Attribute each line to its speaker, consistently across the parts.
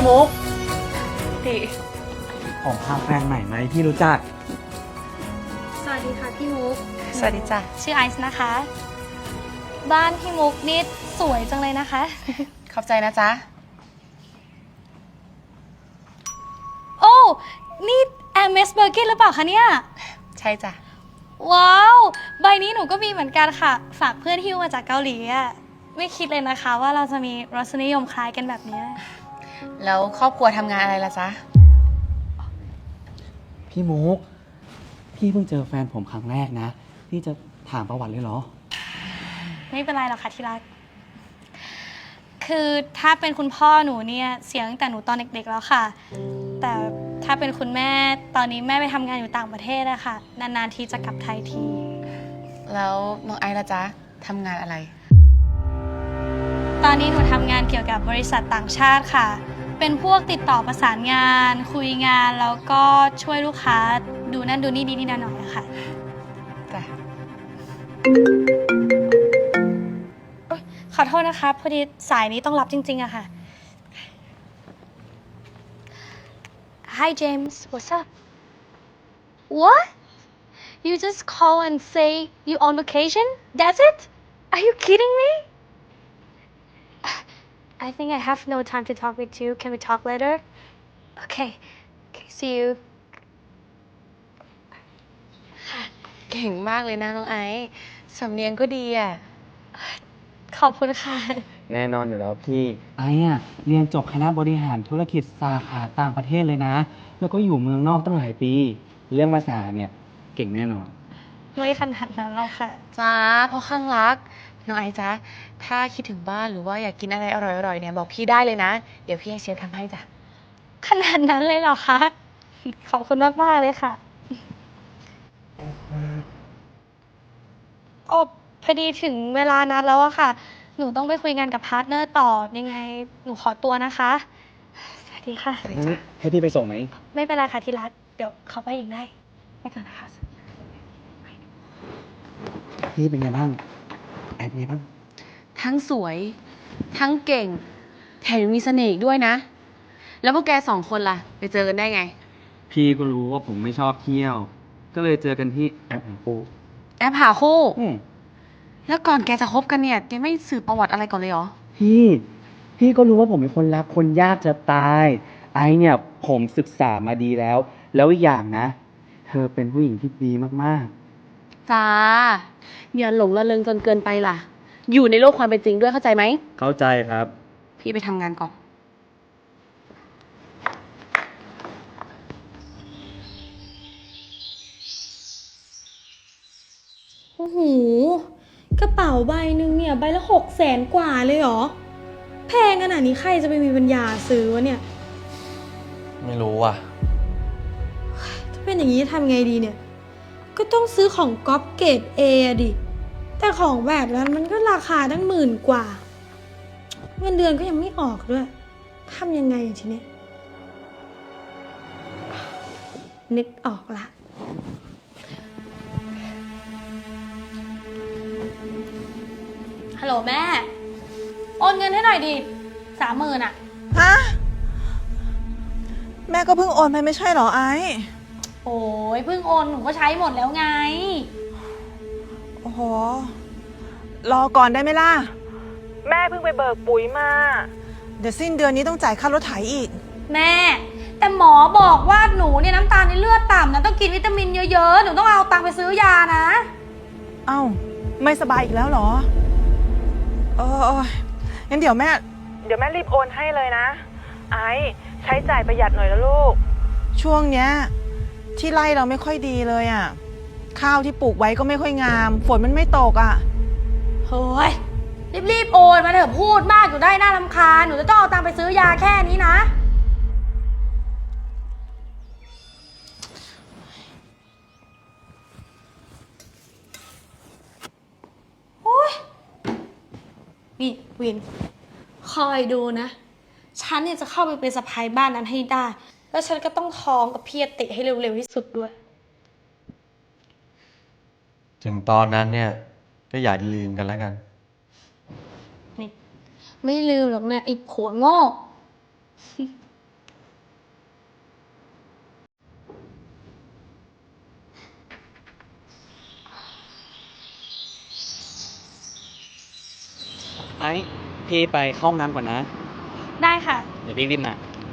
Speaker 1: มุก
Speaker 2: ดิ
Speaker 1: ผมพาแฟนใหม่ไหมที่รู้จัก
Speaker 2: สวัสดีค่ะพี่มุกสวัสดีจ้ะชื่อไอซ์นะคะบ้านพี่มุกนี่สวยจังเลยนะคะ
Speaker 3: ขอบใจนะจ๊ะ
Speaker 2: โอ้นี่แอมเมสเบอร์เกนหรือเปล่าคะเนี่ย
Speaker 3: ใช่จ้ะ
Speaker 2: ว้าวใบนี้หนูก็มีเหมือนกันค่ะฝากเพื่อนฮิ้วมาจากเกาหลีอะไม่คิดเลยนะคะว่าเราจะมีรสนิยมคล้ายกันแบบนี้
Speaker 3: แล้วครอบครัวทำงานอะไรล่ะจ๊ะ
Speaker 1: พี่มุกพี่เพิ่งเจอแฟนผมครั้งแรกนะพี่จะถามประวัติเลยเหรอ
Speaker 2: ไม่เป็นไรหรอกค่ะที่รักคือถ้าเป็นคุณพ่อหนูเนี่ยเสียตั้งแต่หนูตอนเด็กๆแล้วค่ะแต่ถ้าเป็นคุณแม่ตอนนี้แม่ไปทำงานอยู่ต่างประเทศอะค่ะนานๆทีจะกลับไทยที
Speaker 3: แล้วน้องไอซ์ล่ะจ๊ะทำงานอะไร
Speaker 2: ตอนนี้หนูทำงานเกี่ยวกับบริษัทต่างชาติค่ะเป็นพวกติดต่อประสานงานคุยงานแล้วก็ช่วยลูกค้าดูนั่นดูนี่นิดๆหน่อยๆค่ะ
Speaker 3: จ้ะ
Speaker 2: ขอโทษนะคะพอดีสายนี้ต้องรับจริงๆอะค่ะ Hi James what's up What You just call and say you on vacation That's it Are you kidding me I think I have no time to talk with you Can we talk later Okay see you
Speaker 3: เก่งมากเลยนะน้องไอซ์สำเนียงก็ดีอ่ะ
Speaker 2: ขอบคุณค่ะ
Speaker 1: แน่นอนอยู่แล้วพี่ไอ้เรียนจบคณะบริหารธุรกิจสาขาต่างประเทศเลยนะแล้วก็อยู่เมืองนอกตั้งหลายปีเรื่องภาษาเนี่ยเก่งแน่นอน
Speaker 2: ไม่ขนาดนั้นหรอกค่ะ
Speaker 3: จ้าเพราะข้างรักน้องไอซ์จ๊ะถ้าคิดถึงบ้านหรือว่าอยากกินอะไรอร่อยๆเนี่ยบอกพี่ได้เลยนะเดี๋ยวพี่ให้เชฟทำให้จ้ะ
Speaker 2: ขนาดนั้นเลยเหรอคะขอบคุณมากๆเลยค่ะโอ้พอดีถึงเวลานัดแล้วอะค่ะหนูต้องไปคุยงานกับพาร์ทเนอร์ต่อยังไงหนูขอตัวนะคะสวัสดีค่ะ
Speaker 1: ให้พี่ไปส่งไหม
Speaker 2: ไม่เป็นไรค่ะที่รักเดี๋ยวเขาไปเองได้ไปก่อนนะคะ
Speaker 1: พี่เป็นไงบ้างไอ้เป็นไงบ้าง
Speaker 3: ทั้งสวยทั้งเก่งแถมยังมีเสน่ห์อีกด้วยนะแล้วพวกแกสองคนล่ะไปเจอกันได้ไง
Speaker 1: พี่ก็รู้ว่าผมไม่ชอบเที่ยวก็เลยเจอกันที่แอปหาคู่
Speaker 3: แอปหาคู่แล้วก่อนแกจะคบกันเนี่ยแกไม่สืบประวัติอะไรก่อนเลยเหรอ
Speaker 1: พี่ก็รู้ว่าผมเป็นคนรักคนยากจะตายไอเนี่ยผมศึกษามาดีแล้วอีกอย่างนะเธอเป็นผู้หญิงที่ดีมาก
Speaker 3: ๆจ้าอย่าหลงระเริงจนเกินไปล่ะอยู่ในโลกความเป็นจริงด้วยเข้าใจไหม
Speaker 1: เข้าใจครับ
Speaker 3: พี่ไปทำงานก่อน
Speaker 2: โอ้โหกระเป๋าใบหนึ่งเนี่ยใบละ600,000 กว่าเลยเหรอแพงขนาดนี้ใครจะไปมีปัญญาซื้อวะเนี่ย
Speaker 1: ไม่รู้ว่ะ
Speaker 2: ถ้าเป็นอย่างนี้ทำไงดีเนี่ยก็ต้องซื้อของก๊อปเกรด A ดิแต่ของแบบนั้นมันก็ราคาตั้ง10,000 กว่าเงินเดือนก็ยังไม่ออกด้วยทำยังไงทีนี้นึกออกละฮัลโหลแม่โอนเงินให้หน่อยดิ30,000อะ
Speaker 4: ฮะแม่ก็เพิ่งโอนไปไม่ใช่เหรอไอ้
Speaker 2: โอ้ยเพิ่งโอนหนูก็ใช้หมดแล้วไง
Speaker 4: โอ้โหรอก่อนได้ไหมล่ะแม่เพิ่งไปเบิกปุ๋ยมาเดี๋ยวสิ้นเดือนนี้ต้องจ่ายค่ารถไถอีก
Speaker 2: แม่แต่หมอบอกว่าหนูเนี่ยน้ำตาลในเลือดต่ำนะต้องกินวิตามินเยอะๆหนูต้องเอาตังค์ไปซื้อยานะ
Speaker 4: เอ้าไม่สบายอีกแล้วเหรองั้นเดี๋ยวแม่รีบโอนให้เลยนะไอ้ใช้จ่ายประหยัดหน่อยนะลูกช่วงเนี้ยที่ไร่เราไม่ค่อยดีเลยอ่ะข้าวที่ปลูกไว้ก็ไม่ค่อยงามฝนมันไม่ตกอ่ะ
Speaker 2: เฮ้ยรีบโอนมาเถอะพูดมากอยู่ได้น่ารำคาญหนูจะต้องเอาตังค์ไปซื้อยาแค่นี้นะนี่วินคอยดูนะฉันเนี่ยจะเข้าไปเป็นสะใภ้บ้านนั้นให้ได้แล้วฉันก็ต้องท้องกับพี่อติให้เร็วๆที่สุดด้วย
Speaker 5: ถึงตอนนั้นเนี่ยก็อย่าลืมกันแล้วกัน
Speaker 2: นี่ไม่ลืมหรอกเนี่ยไอ้ผัวโง่
Speaker 1: อ้พี่ไปเข้าห้องน้ำก่อนนะ
Speaker 2: ได้ค่ะ
Speaker 1: เดี๋ยวพี่รีบมา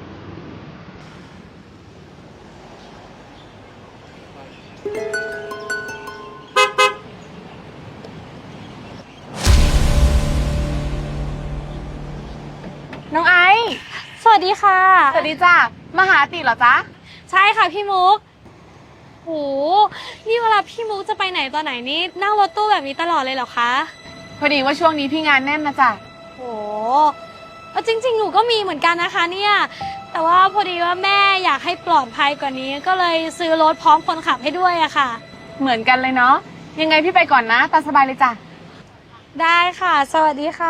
Speaker 3: น้องไอซ์
Speaker 2: สวัสดีค่ะ
Speaker 3: สวัสดีจ้ะมาหาติเหรอจ๊ะ
Speaker 2: ใช่ค่ะพี่มุกโหนี่เวลาพี่มุกจะไปไหนตอนไหนนี่นั่งรถตู้แบบนี้ตลอดเลยเหรอคะ
Speaker 3: พอดีว่าช่วงนี้พี่งานแน่นนะจ๊ะ
Speaker 2: โหจริงๆ หนูก็มีเหมือนกันนะคะเนี่ย แต่ว่าพอดีว่าแม่อยากให้ปลอดภัยกว่านี้ ก็เลยซื้อรถพร้อมคนขับให้ด้วยอะค่ะ
Speaker 3: เหมือนกันเลยเนาะ ยังไงพี่ไปก่อนนะ ตามสบายเลยจ้ะ
Speaker 2: ได้ค่ะ สวัสดีค่ะ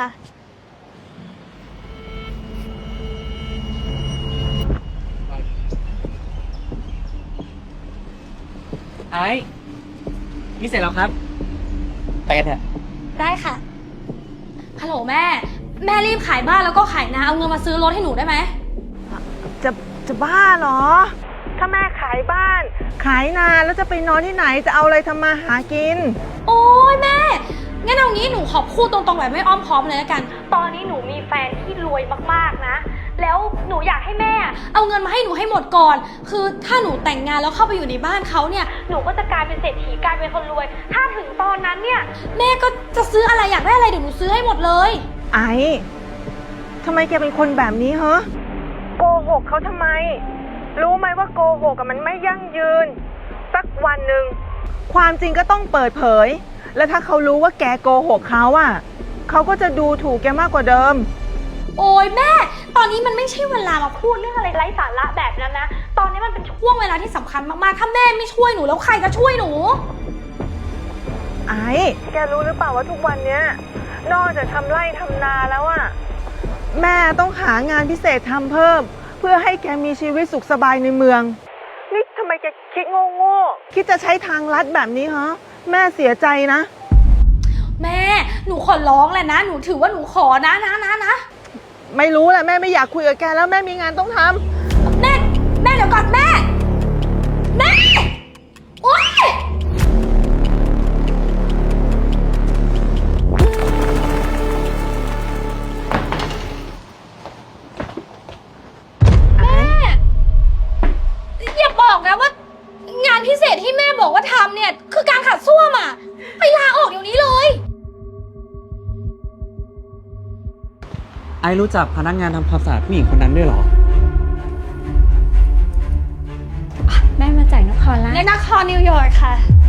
Speaker 1: ไอ้นี่เสร็จแล้วครับ ไปกันเถอะ
Speaker 2: ได้ค่ะ ฮัลโหลแม่ แม่รีบขายบ้านแล้วก็ขายนาเอาเงินมาซื้อรถให้หนูได้ไหม
Speaker 4: จะบ้าเหรอ ถ้าแม่ขายบ้าน ขายนาแล้วจะไปนอนที่ไหนจะเอาอะไรทำมาหากิน
Speaker 2: โอ้ยแม่ งั้นเอางี้หนูขอพูดตรงๆแบบไม่อ้อมค้อมเลยละกัน ตอนนี้หนูมีแฟนที่รวยมากๆนะ แล้วหนูอยากให้แม่เอาเงินมาให้หนูให้หมดก่อน คือถ้าหนูแต่งงานแล้วเข้าไปอยู่ในบ้านเขาเนี่ย หนูก็จะกลายเป็นเศรษฐีกลายเป็นคนรวย ถ้าถึงตอนนั้นเนี่ย แม่ก็จะซื้ออะไรอยากได้อะไรเดี๋ยวหนูซื้อให้หมดเลย
Speaker 4: ไอ้ทำไมแกเป็นคนแบบนี้เหรอโกหกเขาทำไม รู้ไหมว่าโกหกกับมันไม่ยั่งยืน สักวันหนึ่งความจริงก็ต้องเปิดเผย แล้วถ้าเขารู้ว่าแกโกหกเขาอ่ะเขาก็จะดูถูกแกมากกว่าเดิม
Speaker 2: โอ้ยแม่ ตอนนี้มันไม่ใช่เวลามาพูดเรื่องอะไรไร้สาระแบบนั้นนะ ตอนนี้มันเป็นช่วงเวลาที่สำคัญมากๆ ถ้าแม่ไม่ช่วยหนูแล้วใครจะช่วยหนู
Speaker 4: ไอ้แกรู้หรือเปล่าว่าทุกวันเนี้ยนอกจากทำไร่ทำนาแล้วอะแม่ต้องหางานพิเศษทำเพิ่ม เพื่อให้แกมีชีวิตสุขสบายในเมือง นี่ทำไมแกคิดโง่ๆคิดจะใช้ทางลัดแบบนี้ฮะแม่เสียใจนะ
Speaker 2: แม่ หนูขอร้องแหละนะ หนูถือว่าหนูขอนะ
Speaker 4: ไม่รู้แหละแม่ไม่อยากคุยกับแกแล้วแม่มีงานต้องทำ
Speaker 2: แม่เดี๋ยวก่อนแม่ แม่ โอ๊ย แม่ อย่าบอกนะว่างานพิเศษที่แม่บอกว่าทำเนี่ย คือการขัดส้วมอ่ะ ไปลาออกเดี๋ยวนี้เลย
Speaker 1: ไอ้รู้จักพนักงานทำความสะอาดผู้หญิงคนนั้นด้วยเหรอ
Speaker 6: แม่มาจากนครละ
Speaker 2: ในนครนิวยอร์กค่ะ